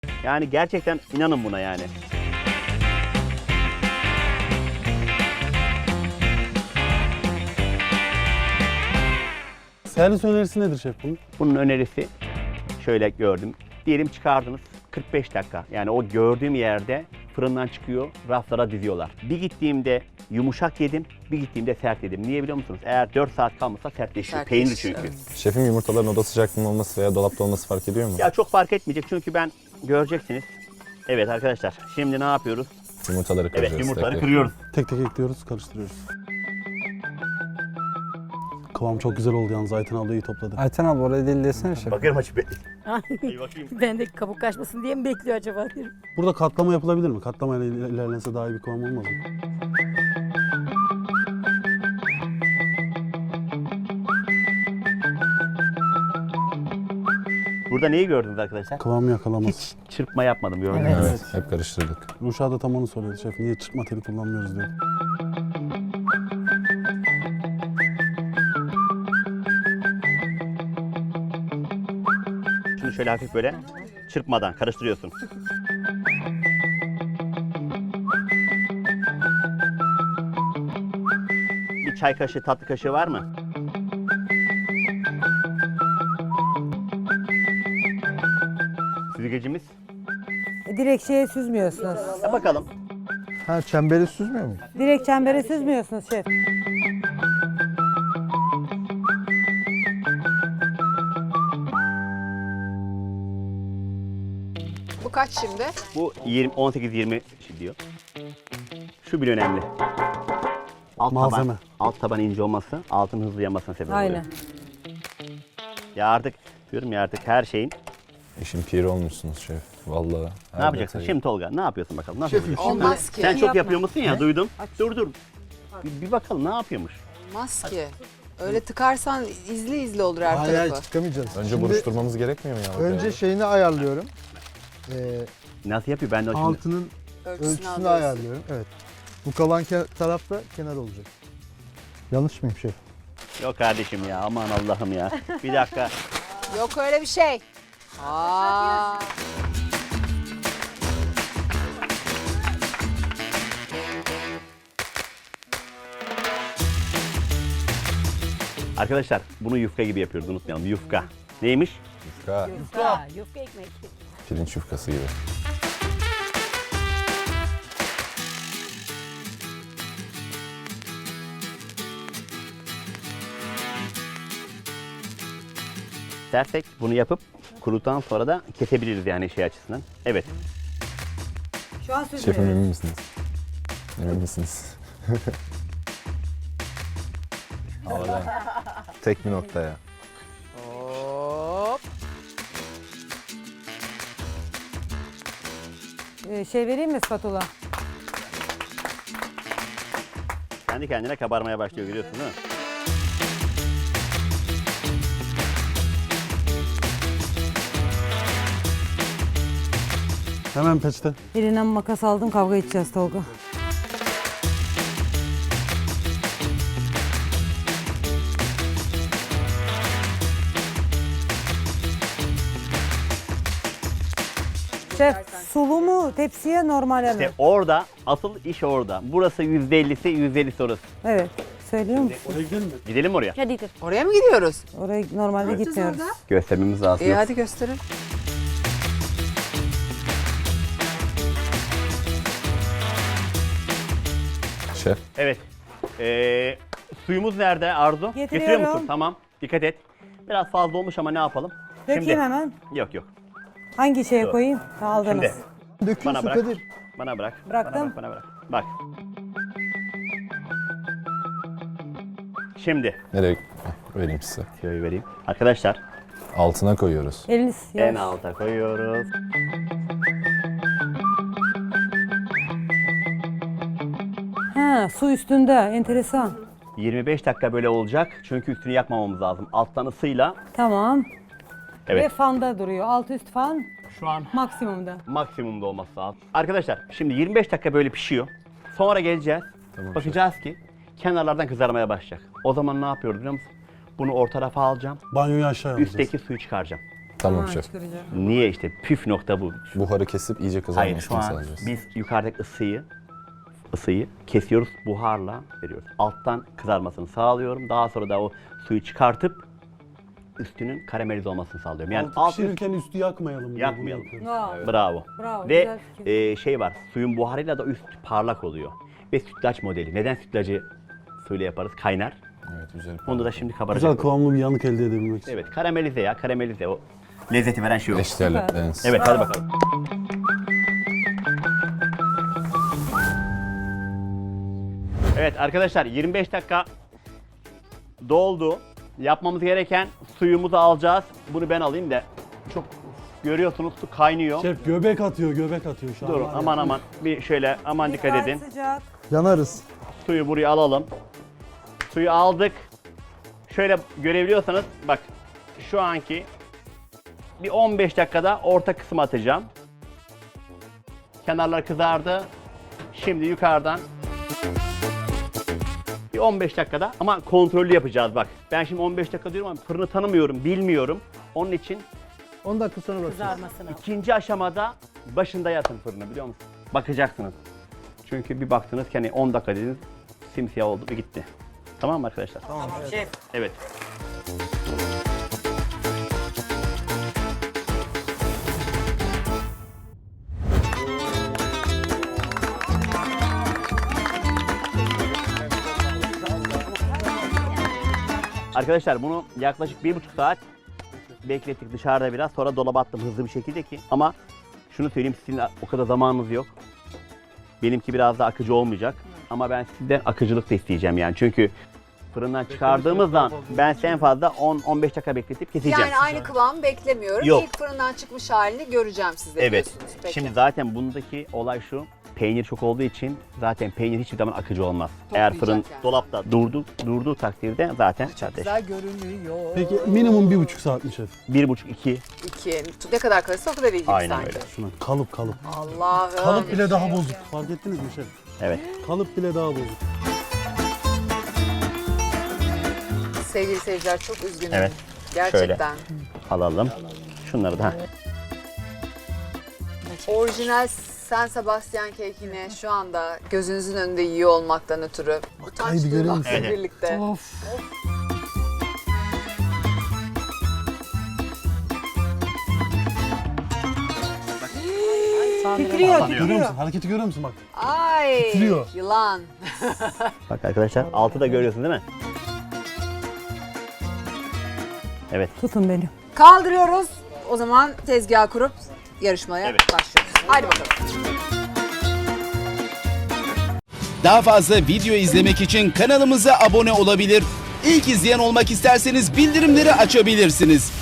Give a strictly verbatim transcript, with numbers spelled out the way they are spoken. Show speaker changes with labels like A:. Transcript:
A: Yani gerçekten inanın buna yani.
B: Servis önerisi nedir şef bunun?
A: Bunun önerisi şöyle gördüm. Diyelim çıkardınız kırk beş dakika. Yani o gördüğüm yerde fırından çıkıyor, raflara diziyorlar. Bir gittiğimde yumuşak yedim, bir gittiğimde sert yedim. Niye biliyor musunuz? Eğer dört saat kalmasa sertleşiyor. Peynir
C: Sertleşiyor,
A: çünkü.
C: evet.
D: Şefim yumurtaların oda sıcaklığında olması veya dolapta olması fark ediyor mu?
A: Ya çok fark etmeyecek çünkü ben göreceksiniz. Evet arkadaşlar şimdi ne yapıyoruz?
D: Yumurtaları kırıyoruz.
A: Evet yumurtaları
D: tek tek.
A: kırıyoruz.
B: Tek tek ekliyoruz, karıştırıyoruz. Kıvam çok güzel oldu yalnız. Ayten abla iyi topladı.
E: Ayten abi oraya değil desene şef.
A: Bakıyorum açıp bir
F: Ay,
A: bakayım.
F: ben de kabuk kaçmasın diye mi bekliyor acaba derim.
B: Burada katlama yapılabilir mi? Katlamayla iler- ilerlense daha iyi bir kıvam olmaz mı?
A: Burada neyi gördünüz arkadaşlar?
B: Kıvamı yakalamaz.
A: Hiç çırpma yapmadım gördünüz mü?
D: Evet, hep karıştırdık.
B: Ruşa da tam onu soruyordu şef. Niye çırpma teli kullanmıyoruz diyor.
A: Şunu şöyle hafif böyle çırpmadan karıştırıyorsun. Bir çay kaşığı, tatlı kaşığı var mı? Süzgecimiz.
G: E, Direkt şeye süzmüyorsunuz.
A: Ya bakalım.
E: Ha çemberi süzmüyor mu?
G: Direkt çembere süzmüyorsunuz şef.
C: Bu kaç şimdi?
A: Bu yirmi, on sekiz yirmi diyor. Şu bile önemli. Alt
B: Malzeme.
A: taban, alt taban ince olması, altın hızlı yanmasına sebep oluyor.
G: Aynen.
A: Ya artık diyorum ya artık her şeyin.
D: İşin piri olmuşsunuz şef. Vallahi.
A: Ne yapacaksın? Şimdi Tolga ne yapıyorsun bakalım? Nasıl yapacaksın?
C: Olmaz ki.
A: Sen çok yapıyor musun ya duydum. Dur dur. Bir, bir bakalım ne yapıyormuş.
C: Olmaz ki. Öyle tıkarsan izli izli olur her
E: Hayır hayır
C: tarafı.
E: çıkamayacağız.
D: Önce
E: Şimdi
D: buruşturmamız gerekmiyor mu ya?
E: önce şeyini ayarlıyorum. Ee,
A: Nasıl yapıyor ben de o şimdi.
E: altının
C: Ölçüsünü
E: ölçüsünü
C: alıyorsun.
E: ayarlıyorum. Evet. Bu kalan ke- taraf da kenar olacak. Yanlış mıyım şef?
A: Yok kardeşim ya aman Allah'ım ya. Bir dakika.
C: Yok öyle bir şey. Aa.
A: Arkadaşlar bunu yufka gibi yapıyoruz unutmayalım. Yufka. Neymiş?
D: Yufka,
F: Yufka, yufka ekmek.
D: pirinç yufkası gibi.
A: Dersek bunu yapıp kuruduktan sonra da kesebiliriz yani şey açısından. Evet.
G: Şu an
D: Şefim
G: süzmüyoruz.
D: emin misiniz? Emin misiniz? Havadan. Tek bir noktaya.
C: Hop.
G: Ee, şey vereyim mi spatula?
A: Kendi kendine kabarmaya başlıyor görüyorsun değil mi?
B: Hemen peçete.
G: Elinden makas aldım, kavga edeceğiz Tolga. Şef, sulu mu tepsiye normal mi?
A: İşte orada asıl iş orada. Burası yüzde ellisi, yüzde ellisi orası.
G: Evet. Söylüyor musun?
B: Oraya gidelim mi?
A: Gidelim mi oraya?
F: Hadi gir.
C: Oraya mı gidiyoruz?
G: Oraya normalde gitmiyoruz.
A: Göstermemiz lazım.
C: İyi hadi gösterin.
D: Şef.
A: Evet. Ee, suyumuz nerede Arzu? Getiriyor
G: Getiriyorum.
A: musun? Tamam. Dikkat et. Biraz fazla olmuş ama ne yapalım?
G: Dökeyim hemen.
A: Yok yok.
G: Hangi şeye
A: Dur.
G: koyayım? Ha, aldınız.
A: Şimdi
E: Dökün
A: bana
E: su
A: bırak.
E: Kadir.
A: Bana bırak.
G: Bıraktım.
A: Bana bırak, bana bırak. Bak. Şimdi
D: Nereye? Heh, vereyim size.
A: şöyle vereyim. Arkadaşlar
D: Altına koyuyoruz.
G: Eliniz
A: en
G: yavaş.
A: alta koyuyoruz.
G: Ha, su üstünde. Enteresan.
A: yirmi beş dakika böyle olacak. Çünkü üstünü yakmamamız lazım. Alttan ısıyla.
G: Tamam. Ve
A: Evet.
G: fanda duruyor. Alt üst fan
A: Şu an
G: maksimumda.
A: maksimumda olması lazım. Arkadaşlar şimdi yirmi beş dakika böyle pişiyor. Sonra geleceğiz.
D: Tamam,
A: bakacağız ki kenarlardan kızarmaya başlayacak. O zaman ne yapıyoruz biliyor musun? Bunu orta tarafa alacağım.
B: Banyoyu aşağı alacağız.
A: Üstteki suyu çıkaracağım.
D: Tamam
G: Ha,
D: şef.
G: çıkaracağım.
A: Niye işte püf nokta bu.
D: Buharı kesip iyice
A: Hayır, şu
D: kızarmasını
A: an
D: sağlayacağız.
A: biz yukarıdaki ısıyı ısıyı kesiyoruz, buharla veriyoruz. Alttan kızarmasını sağlıyorum. Daha sonra da o suyu çıkartıp üstünün karamelize olmasını sağlıyorum. Yani
B: Altı
A: alt üst
B: pişirirken üstü yakmayalım. diye bunu
A: yakmayalım.
B: yapıyoruz.
G: Wow.
A: Bravo.
G: Bravo,
A: Ve
G: güzel fikir.
A: e, şey var, suyun buharıyla da üst parlak oluyor. Ve sütlaç modeli. Neden sütlacı suyla yaparız? Kaynar.
D: Evet, güzel.
A: Onu da şimdi kabaracak.
B: Güzel kıvamlı bir yanık elde edebilmek için.
A: Evet, karamelize ya, karamelize o lezzeti veren şey o.
D: Eşdeğerlikleriniz.
A: Evet, hadi bakalım. Evet arkadaşlar, yirmi beş dakika doldu. Yapmamız gereken suyumuzu alacağız. Bunu ben alayım da çok görüyorsunuz su kaynıyor.
B: Şef göbek atıyor, göbek atıyor şu an.
A: Durun
B: var ya.
A: aman aman bir şöyle aman dikkat
G: Gayet
A: edin.
G: sıcak.
E: Yanarız.
A: Suyu buraya alalım. Suyu aldık. Şöyle görebiliyorsanız bak şu anki bir on beş dakikada orta kısmı atacağım. Kenarlar kızardı. Şimdi yukarıdan bir on beş dakikada ama kontrollü yapacağız bak. Ben şimdi on beş dakika diyorum ama fırını tanımıyorum, bilmiyorum. Onun için
E: on dakika sonra bakacağız.
F: Kızarmasına.
A: ikinci aşamada başında yatın fırını biliyor musun? Bakacaksınız. Çünkü bir baktınız ki hani on dakika dediniz simsiyah oldu ve gitti. Tamam mı arkadaşlar?
G: Tamam şef.
A: Evet. Arkadaşlar bunu yaklaşık bir buçuk saat beklettik dışarıda biraz. Sonra dolaba attım hızlı bir şekilde ki. Ama şunu söyleyeyim sizin o kadar zamanınız yok. Benimki biraz da akıcı olmayacak. Ama ben sizden akıcılık da isteyeceğim yani. Çünkü fırından çıkardığımızdan ben size en fazla on on beş dakika bekletip keseceğim.
C: Yani aynı kıvam beklemiyorum.
A: Yok.
C: İlk fırından çıkmış halini göreceğim sizde
A: Evet.
C: diyorsunuz. Peki.
A: Şimdi zaten bundaki olay şu. Peynir çok olduğu için zaten peynir hiçbir zaman akıcı olmaz. Eğer fırın
C: yani.
A: dolapta durdu, durduğu takdirde zaten zaten
C: Güzel görünüyor.
B: Peki minimum bir buçuk saat mi şef?
A: bir buçuk iki
C: İki. Ne kadar kalırsa o kadar iyi gibi
A: aynen
C: sanki.
A: öyle.
B: Şuna kalıp kalıp.
C: Allah'ım.
B: Kalıp bile daha bozuk. Fark ettiniz mi şef?
A: Evet.
B: Kalıp bile daha bozuk.
C: Sevgili seyirciler çok üzgünüm.
A: Evet.
C: Gerçekten.
A: Alalım. Şunları da.
C: Orijinal San Sebastian kekini şu anda gözünüzün önünde yiyor olmaktan ötürü utanç
B: Haydi görüyor
C: duymakla
A: musun?
C: birlikte.
B: Of.
G: Titriyor,
B: Görüyor
G: titriyor.
B: musun? Hareketi görüyor musun bak?
C: Ay
B: Titriyor.
C: yılan.
A: Bak arkadaşlar altı da görüyorsun değil mi? Evet.
G: Tutun beni.
C: Kaldırıyoruz. O zaman tezgah kurup yarışmaya
A: Evet.
C: başlıyoruz. Haydi bakalım.
H: Daha fazla video izlemek için kanalımıza abone olabilir. İlk izleyen olmak isterseniz bildirimleri açabilirsiniz.